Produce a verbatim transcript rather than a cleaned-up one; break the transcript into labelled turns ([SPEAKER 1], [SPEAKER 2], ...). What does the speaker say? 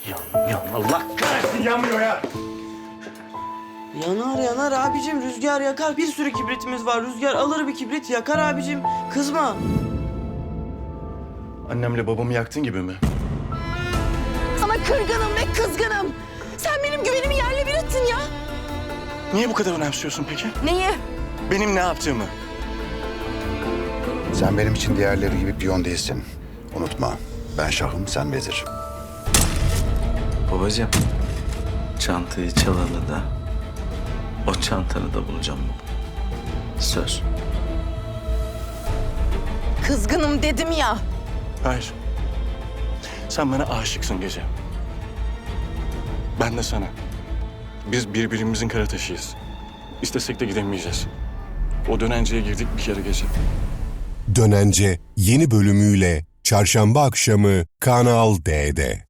[SPEAKER 1] Yan, yan, Allah kahretsin yanmıyor ya.
[SPEAKER 2] Yanar yanar abicim, rüzgar yakar. Bir sürü kibritimiz var. Rüzgar alır bir kibrit yakar abicim. Kızma.
[SPEAKER 1] Annemle babamı yaktın gibi mi?
[SPEAKER 3] Sana kırgınım ve kızgınım. Sen benim güvenimi yerle bir ettin ya.
[SPEAKER 1] Niye bu kadar önemsiyorsun peki?
[SPEAKER 3] Neyi?
[SPEAKER 1] Benim ne yaptığımı?
[SPEAKER 4] Sen benim için diğerleri gibi piyon değilsin. Unutma, ben şahım, sen vezir.
[SPEAKER 5] Babacığım, çantayı çalalı da o çantanı da bulacağım baba. Söz.
[SPEAKER 3] Kızgınım dedim ya.
[SPEAKER 1] Hayır. Sen bana aşıksın Gece. Ben de sana. Biz birbirimizin kara taşıyız. İstesek de gidemeyeceğiz. O dönenceye girdik bir kere Gece.
[SPEAKER 6] Dönence yeni bölümüyle Çarşamba akşamı Kanal D'de.